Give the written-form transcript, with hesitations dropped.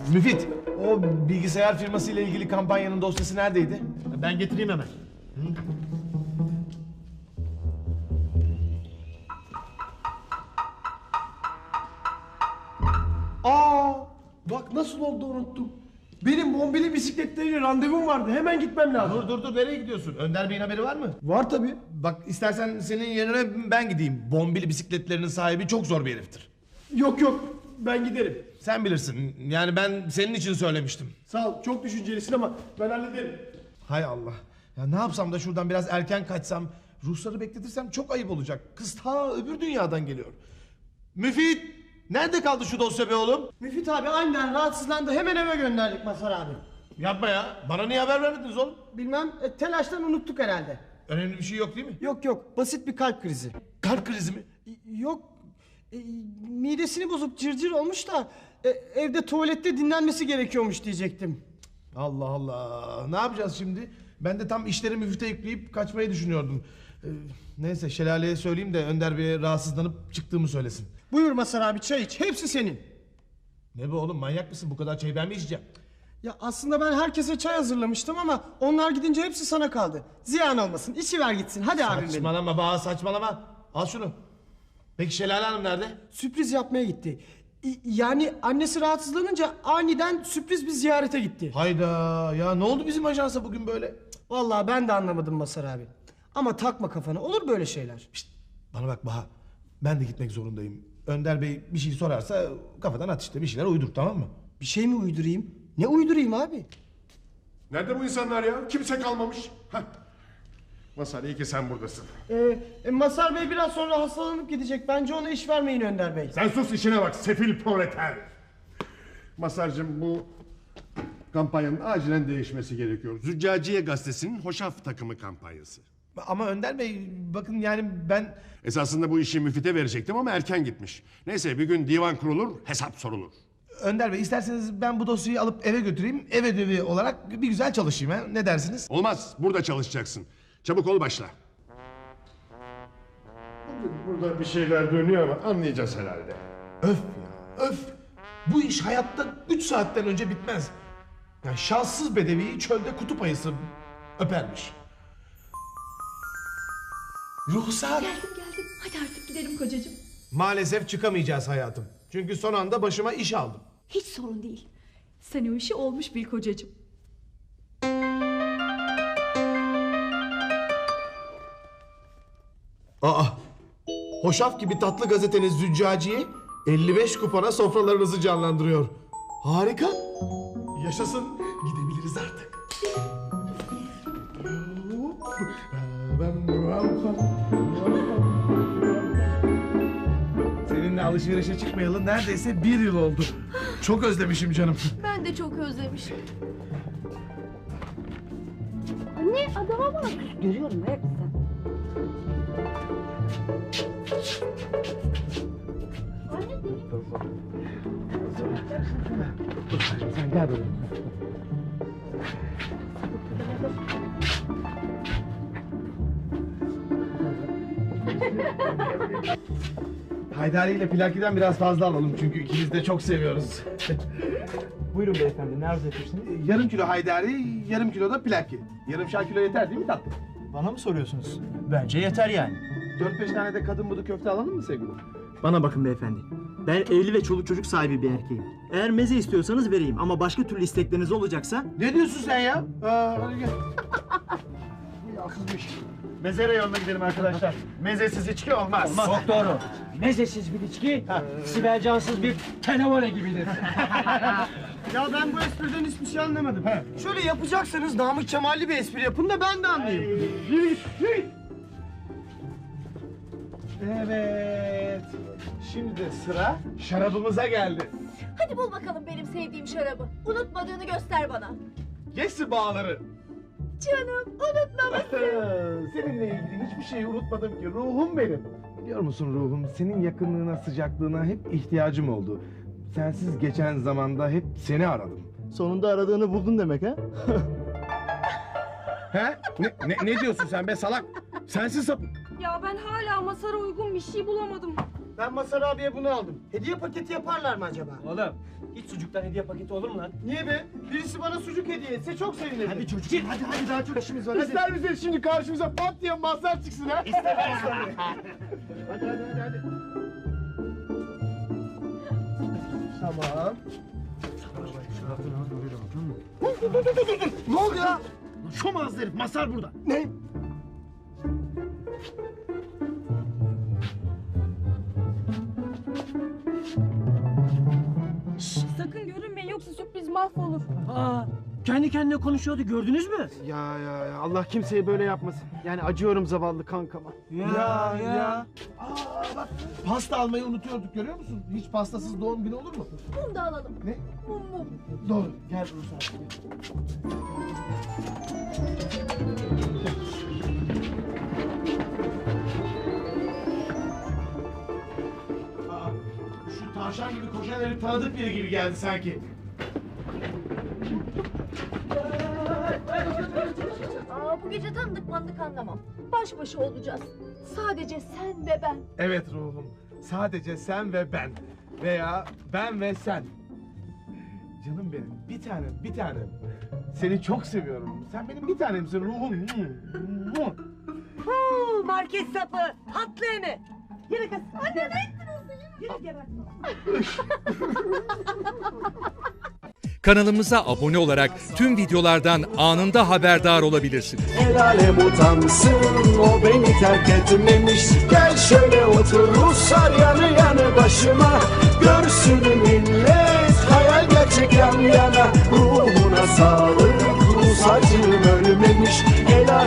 Müfit, o bilgisayar firması ile ilgili kampanyanın dosyası neredeydi? Ben getireyim hemen. Aa, bak nasıl oldu unuttum. Benim bombili bisikletleriyle randevum vardı. Hemen gitmem lazım. Dur nereye gidiyorsun? Önder Bey'in haberi var mı? Var tabii. Bak istersen senin yerine ben gideyim. Bombili bisikletlerinin sahibi çok zor bir heriftir. Yok ben giderim. Sen bilirsin. Yani ben senin için söylemiştim. Sağ ol, çok düşüncelisin ama ben hallederim. Hay Allah. Ya ne yapsam da şuradan biraz erken kaçsam, Rusları bekletirsem çok ayıp olacak. Kız ta öbür dünyadan geliyor. Müfit! Nerede kaldı şu dosya be oğlum? Müfit abi aniden rahatsızlandı. Hemen eve gönderdik Mazhar abi. Yapma ya. Bana niye haber vermediniz oğlum? Bilmem, telaştan unuttuk herhalde. Önemli bir şey yok değil mi? Yok, basit bir kalp krizi. Kalp krizi mi? Yok, midesini bozup cırcır olmuş da evde tuvalette dinlenmesi gerekiyormuş diyecektim. Allah Allah. Ne yapacağız şimdi? Ben de tam işleri müfte yükleyip kaçmayı düşünüyordum. Neyse Şelale'ye söyleyeyim de Önder Bey'e rahatsızlanıp çıktığımı söylesin. Buyur Mazhar abi, çay iç. Hepsi senin. Ne bu oğlum, manyak mısın? Bu kadar çayı ben mi içeceğim? Ya aslında ben herkese çay hazırlamıştım ama onlar gidince hepsi sana kaldı. Ziyan olmasın, içiver gitsin. Hadi abim benim. Saçmalama Baha, saçmalama. Al şunu. Peki Şelale Hanım nerede? Sürpriz yapmaya gitti. Yani annesi rahatsızlanınca aniden sürpriz bir ziyarete gitti. Hayda ya, ne oldu bizim ajansa bugün böyle? Vallahi ben de anlamadım Mazhar abi. Ama takma kafana, olur böyle şeyler. Şişt, bana bak Baha. Ben de gitmek zorundayım. Önder Bey bir şey sorarsa kafadan at işte, bir şeyler uydur, tamam mı? Bir şey mi uydurayım? Ne uydurayım abi? Nerede bu insanlar ya? Kimse kalmamış. Heh. Mazhar, iyi ki sen buradasın. Mazhar Bey biraz sonra hastalanıp gidecek. Bence ona iş vermeyin Önder Bey. Sen sus, işine bak sefil proleter. Mazhar'cığım, bu kampanyanın acilen değişmesi gerekiyor. Züccaciye Gazetesi'nin hoşaf takımı kampanyası. Ama Önder Bey bakın, yani ben... Esasında bu işi müfite verecektim ama erken gitmiş. Neyse, bir gün divan kurulur, hesap sorulur. Önder Bey isterseniz ben bu dosyayı alıp eve götüreyim. Ev ödevi olarak bir güzel çalışayım ha. Ne dersiniz? Olmaz, burada çalışacaksın. Çabuk ol, başla. Burada bir şeyler dönüyor ama anlayacağız herhalde. Öf ya, öf. Bu iş hayatta 3 saatten önce bitmez. Yani şanssız bedeviyi çölde kutup ayısı öpermiş. Ruhsar. Geldim. Hadi artık gidelim kocacığım. Maalesef çıkamayacağız hayatım. Çünkü son anda başıma iş aldım. Hiç sorun değil. Sen o işi olmuş bil kocacığım. Aa, hoşaf gibi tatlı gazeteniz Züccaciye 55 kupona sofralarınızı canlandırıyor. Harika. Yaşasın. Gidebiliriz artık. Seninle alışverişe çıkmayalı neredeyse 1 yıl oldu. Çok özlemişim canım. Ben de çok özlemişim. Anne adama bak. Görüyorum hep sen. Sen gel böyle. Haydari ile Plaki'den biraz fazla alalım çünkü ikimiz de çok seviyoruz. Buyurun beyefendi, ne arzu etmiştiniz? Yarım kilo haydari, yarım kilo da Plaki. Yarımşar kilo yeter değil mi tatlım? Bana mı soruyorsunuz? Bence yeter yani. 4-5 tane de kadın budu köfte alalım mı sevgilim? Bana bakın beyefendi. Ben evli ve çoluk çocuk sahibi bir erkeğim. Eğer meze istiyorsanız vereyim ama başka türlü istekleriniz olacaksa... Ne diyorsun sen ya? Hadi gel. Meze reyonuna gidelim arkadaşlar. Mezesiz içki olmaz. Çok doğru. Mezesiz bir içki, Sibel Cansız bir tenevole gibidir. Ya ben bu espriden hiçbir şey anlamadım. Şöyle yapacaksanız Namık Kemal'li bir espri yapın da ben de anlayayım. Evet. Şimdi de sıra şarabımıza geldi. Hadi bul bakalım benim sevdiğim şarabı. Unutmadığını göster bana. Geçsin bağları. Canım unutmamışsın. Seninle ilgili hiçbir şeyi unutmadım ki, ruhum benim. Biliyor musun ruhum, senin yakınlığına, sıcaklığına hep ihtiyacım oldu. Sensiz geçen zamanda hep seni aradım. Sonunda aradığını buldun demek ha? He? Ne diyorsun sen be salak? Sensin sapık. Ya ben hala Mazhar'a uygun bir şey bulamadım. Ben Mazhar abiye bunu aldım. Hediye paketi yaparlar mı acaba? Oğlum hiç sucuktan hediye paketi olur mu lan? Niye be? Birisi bana sucuk hediye etse çok sevinirim. Hadi çocuk hadi daha çok işimiz var. İster misiniz şimdi karşımıza pat diye Mazhar çıksın ha? Tamam. Ne oldu ya? Şu Mazhar herif, Mazhar burada. Ne? Sakın görünmeyin yoksa sürpriz mahvolur. Aa, kendi kendine konuşuyordu gördünüz mü? Ya Allah kimseye böyle yapmasın. Yani acıyorum zavallı kankama. Ya. Aa bak pasta almayı unutuyorduk görüyor musun? Hiç pastasız doğum günü olur mu? Mum da alalım. Ne? Mum. Doğru. Gel Ruslar. Gel. Aa, şu tavşan gibi koşan herif tanıdık biri gibi geldi sanki. Aa, bu gece tanıdık mandık anlamam. Baş başa olacağız. Sadece sen ve ben. Evet ruhum. Sadece sen ve ben. Veya ben ve sen. Canım benim. Bir tanem, bir tanem. Seni çok seviyorum. Sen benim bir tanemsin ruhum. Market sapı, tatlı emi. Yürü kız. Anne ne ettin Yürü geber. Kanalımıza abone olarak tüm videolardan anında haberdar olabilirsiniz. El alem utansın, o beni terk etmemiş. Gel şöyle otur Ruslar yanı yanı başıma. Görsün millet hayal gerçek yan yana. Ruhuna sağlık.